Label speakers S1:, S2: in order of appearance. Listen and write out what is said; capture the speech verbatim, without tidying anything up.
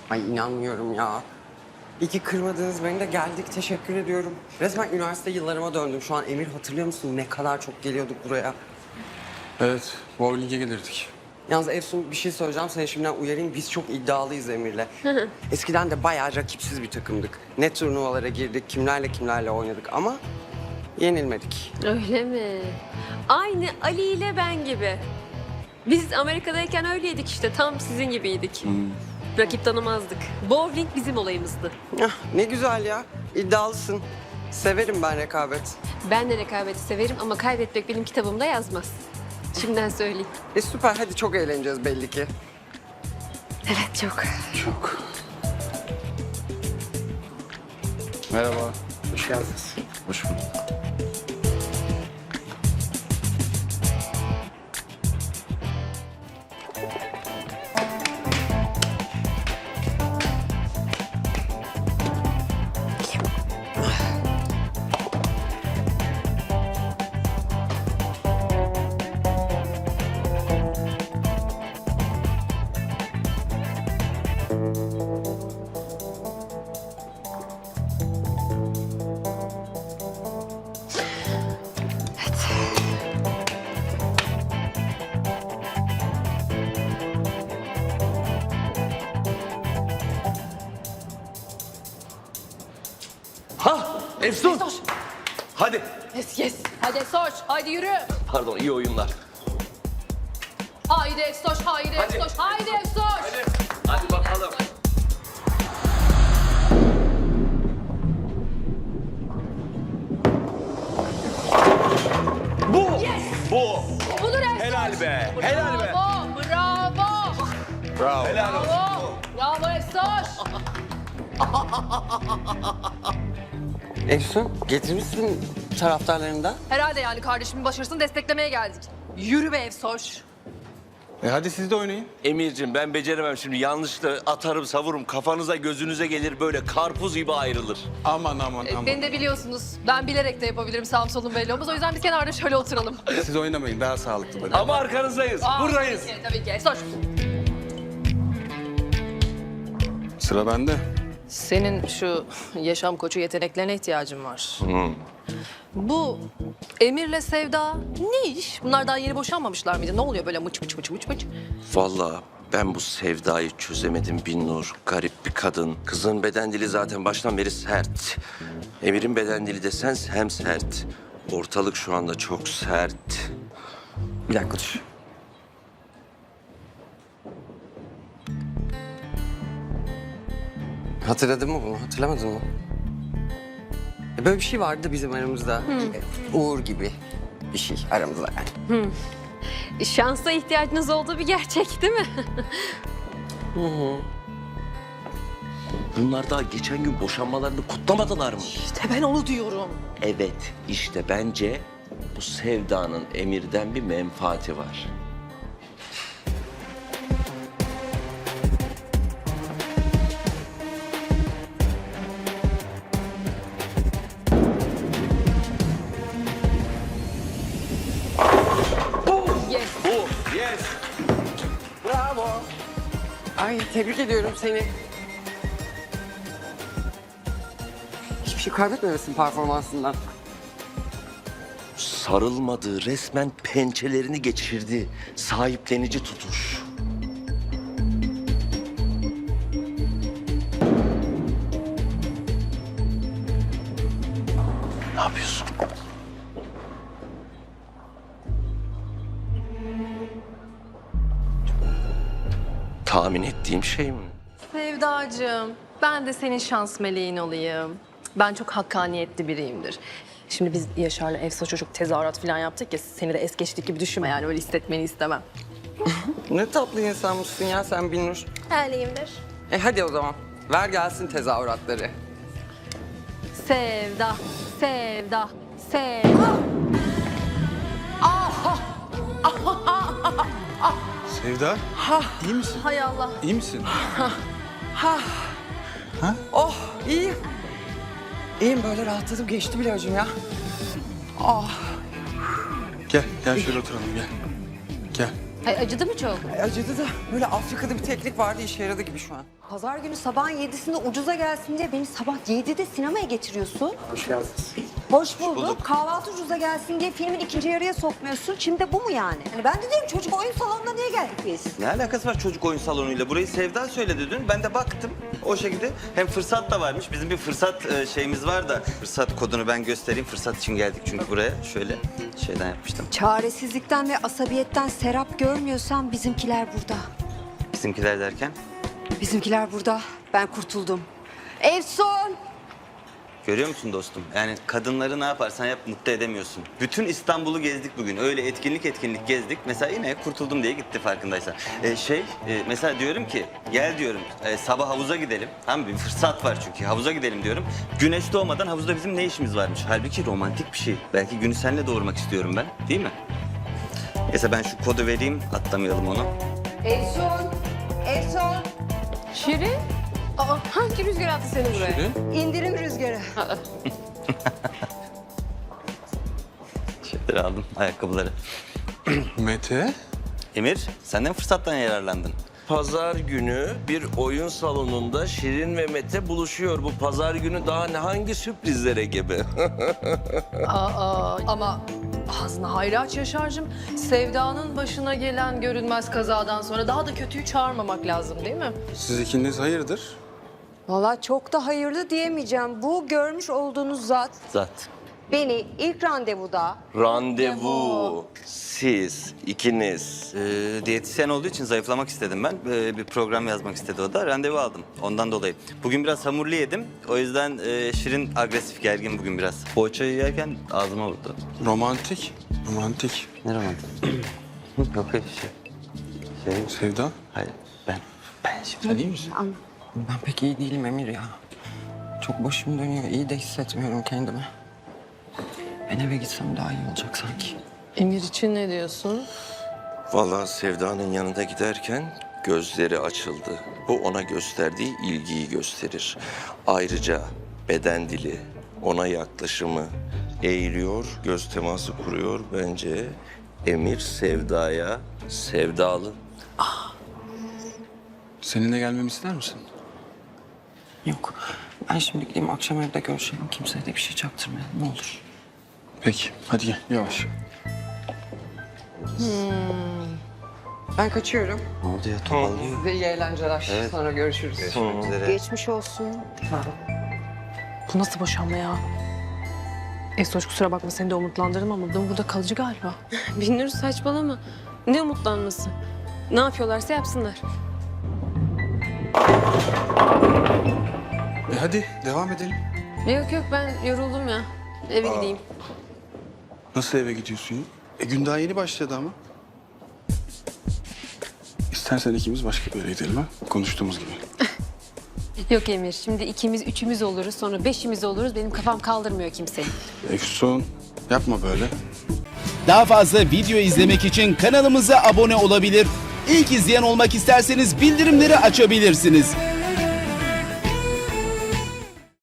S1: Ay inanmıyorum ya. İyi ki kırmadınız beni de geldik. Teşekkür ediyorum. Resmen üniversite yıllarıma döndüm. Şu an Emir hatırlıyor musun? Ne kadar çok geliyorduk buraya.
S2: Evet, bowling'e gelirdik.
S1: Yalnız Efsun bir şey söyleyeceğim. Seni şimdiden uyarayım. Biz çok iddialıyız Emir'le. Eskiden de bayağı rakipsiz bir takımdık. Ne turnuvalara girdik, kimlerle kimlerle oynadık ama yenilmedik.
S3: Öyle mi? Aynı Ali ile ben gibi. Biz Amerika'dayken öyleydik işte. Tam sizin gibiydik. Rakip tanımazdık. Bowling bizim olayımızdı.
S1: Ah, ne güzel ya. İddialısın. Severim ben rekabet.
S3: Ben de rekabeti severim ama kaybetmek benim kitabımda yazmaz. Şimdiden söyleyeyim.
S1: E süper. Hadi çok eğleneceğiz belli ki.
S3: Evet çok.
S2: Çok. Merhaba.
S1: Hoş geldiniz.
S2: Hoş bulduk.
S4: Ha, Efsun. Hadi.
S5: Yes yes. Hadi Estoş, haydi yürü.
S4: Pardon, iyi oyunlar.
S5: Haydi Estoş, haydi
S4: Hadi.
S5: Estoş, haydi Estoş.
S4: Hadi. Hadi bakalım. Bu. Bu.
S5: Budur Estoş.
S4: Helal be.
S5: Bravo,
S4: Helal be.
S5: bravo.
S2: Bravo.
S4: Helal olsun.
S5: Bravo, bravo Estoş.
S1: Efsun getirmişsin taraftarlarından.
S5: Herhalde yani kardeşimin başarısını desteklemeye geldik. Yürü be Estoş.
S2: E hadi siz de oynayın.
S4: Emir'cim ben beceremem şimdi. Yanlışla atarım savururum. Kafanıza gözünüze gelir böyle karpuz gibi ayrılır.
S2: Aman aman
S5: E,
S2: aman.
S5: Beni de biliyorsunuz. Ben bilerek de yapabilirim sağım solum belli olmaz. O yüzden biz kenarda şöyle oturalım.
S2: Siz oynamayın, daha sağlıklı böyle.
S4: Ama arkanızdayız.
S5: Aa,
S4: Buradayız.
S5: Tabii ki, tabii ki. Estoş.
S2: Sıra bende.
S5: Senin şu yaşam koçu yeteneklerine ihtiyacın var. Bu Emir'le Sevda ne iş? Bunlar daha yeni boşanmamışlar mıydı? Ne oluyor böyle mıç mıç mıç mıç mıç?
S4: Vallahi ben bu Sevda'yı çözemedim Binnur. Garip bir kadın. Kızın beden dili zaten baştan beri sert. Emir'in beden dili desen hem sert. Ortalık şu anda çok sert.
S1: Bir dakika dur. Hatırladın mı bunu? Hatırlamadın mı? E, Böyle bir şey vardı bizim aramızda. E, Uğur gibi bir şey aramızda yani.
S3: Şansa ihtiyacınız olduğu bir gerçek değil mi?
S4: Bunlar daha geçen gün boşanmalarını kutlamadılar mı?
S5: İşte ben onu diyorum.
S4: Evet, işte bence bu Sevda'nın Emir'den bir menfaati var.
S5: Yes.
S4: Bu, yes.
S1: Bravo. Ay tebrik ediyorum seni. Hiçbir şey kaybetmemesin performansından.
S4: Sarılmadı, resmen pençelerini geçirdi. Sahiplenici tutuş. Ne yapıyorsun? Tahmin ettiğim şey mi?
S5: Sevdacığım, ben de senin şans meleğin olayım. Ben çok hakkaniyetli biriyimdir. Şimdi biz Yaşar'la Efsa çocuk tezahürat falan yaptık ya, seni de es geçtik gibi düşünme yani, öyle hissetmeni istemem.
S1: Ne tatlı insanmışsın ya sen Binnur.
S5: Öyleyimdir.
S1: E hadi o zaman. Ver gelsin tezahüratları.
S5: Sevda, sevda, sevda.
S2: Sevda, iyi misin?
S5: Hay Allah.
S2: İyi misin?
S1: Oh iyiyim. İyiyim böyle rahatladım geçti bile hocam ya.
S2: Gel, gel şöyle oturalım gel. Gel.
S3: Ay acıdı mı çok?
S1: Ay, acıdı da böyle Afrika'da bir teknik vardı, işe yaradı gibi şu an.
S6: Pazar günü sabahın yedisinde ucuza gelsin diye beni sabah yedide sinemaya getiriyorsun.
S1: Hoş geldiniz.
S6: Hoş bulduk. Kahvaltı ucuza gelsin diye filmin ikinci yarıya sokmuyorsun. Şimdi de bu mu yani? Hani ben de diyorum çocuk oyun salonuna niye geldik biz?
S7: Ne alakası var çocuk oyun salonuyla? Burayı Sevda söyledi dün. Ben de baktım o şekilde. Hem fırsat da varmış. Bizim bir fırsat e, şeyimiz var da. Fırsat kodunu ben göstereyim. Fırsat için geldik çünkü buraya. Şöyle şeyden yapmıştım.
S6: Çaresizlikten ve asabiyetten serap görmüyorsan bizimkiler burada.
S7: Bizimkiler derken.
S6: Bizimkiler burada. Ben kurtuldum. Efsun!
S7: Görüyor musun dostum? Yani kadınları ne yaparsan yap mutlu edemiyorsun. Bütün İstanbul'u gezdik bugün. Öyle etkinlik etkinlik gezdik. Mesela yine kurtuldum diye gitti farkındaysan. Ee, şey e, mesela diyorum ki gel diyorum e, sabah havuza gidelim. Tamam bir fırsat var çünkü havuza gidelim diyorum. Güneş doğmadan havuzda bizim ne işimiz varmış? Halbuki romantik bir şey. Belki günü seninle doğurmak istiyorum ben. Değil mi? Neyse ben şu kodu vereyim atlamayalım onu.
S6: Efsun! Efsun!
S3: Şirin? Aa, hangi rüzgar attı seni buraya?
S6: İndirim rüzgarı.
S7: Şeyleri aldım ayakkabıları.
S2: Mete?
S7: Emir senden fırsattan yararlandın.
S4: Pazar günü bir oyun salonunda Şirin ve Mete buluşuyor. Bu pazar günü daha ne hangi sürprizlere gebe?
S5: Aa, ama ağzına hayra aç Yaşar'cığım. Sevda'nın başına gelen görünmez kazadan sonra daha da kötüyü çağırmamak lazım değil mi?
S2: Siz ikiniz hayırdır?
S6: Valla çok da hayırlı diyemeyeceğim. Bu görmüş olduğunuz zat
S7: Zat.
S6: beni ilk randevuda
S4: Randevu. Siz ikiniz.
S7: Ee, diyetisyen olduğu için zayıflamak istedim ben. Ee, bir program yazmak istedi o da. Randevu aldım ondan dolayı. Bugün biraz hamurlu yedim. O yüzden e, Şirin agresif gergin bugün biraz. Poğaçayı yerken ağzıma vurdu.
S2: Romantik. Romantik.
S7: Ne romantik? Yok öyle şey. Şey,
S2: Sevda,
S7: hayır ben. Ben şimdi.
S2: sen iyi misin?
S1: Ben pek iyi değilim Emir ya. Çok başım dönüyor, iyi de hissetmiyorum kendimi. Ben eve gitsem daha iyi olacak sanki.
S5: Emir için ne diyorsun?
S4: Vallahi Sevda'nın yanında giderken gözleri açıldı. Bu ona gösterdiği ilgiyi gösterir. Ayrıca beden dili, ona yaklaşımı eğiliyor, göz teması kuruyor. Bence Emir Sevda'ya sevdalı.
S2: Seninle gelmemi ister misin?
S1: Yok, ben şimdi gideyim akşam evde görüşelim. Kimseye de bir şey çaktırmayalım, ne olur.
S2: Peki, hadi gel, yavaş.
S1: Ben kaçıyorum.
S7: Ne oldu ya topallıyor.
S1: Size iyi eğlenceler. Sonra görüşürüz.
S7: Görüşmek üzere.
S6: geçmiş olsun.
S5: Bu nasıl boşanma ya? Efsoç kusura bakma seni de umutlandırdım ama bu burada kalıcı galiba.
S3: Binnur saçmalama. Ne umutlanması? Ne yapıyorlarsa yapsınlar.
S2: E hadi, devam edelim.
S3: Yok yok ben yoruldum ya. Eve gideyim.
S2: Nasıl eve gidiyorsun ya? E gün daha yeni başladı ama. İstersen ikimiz başka bir yere gidelim ha? Konuştuğumuz gibi.
S3: Yok Emir şimdi ikimiz üçümüz oluruz sonra beşimiz oluruz. Benim kafam kaldırmıyor kimseyi.
S2: Efsun, yapma böyle.
S8: Daha fazla video izlemek için kanalımıza abone olabilir. İlk izleyen olmak isterseniz bildirimleri açabilirsiniz.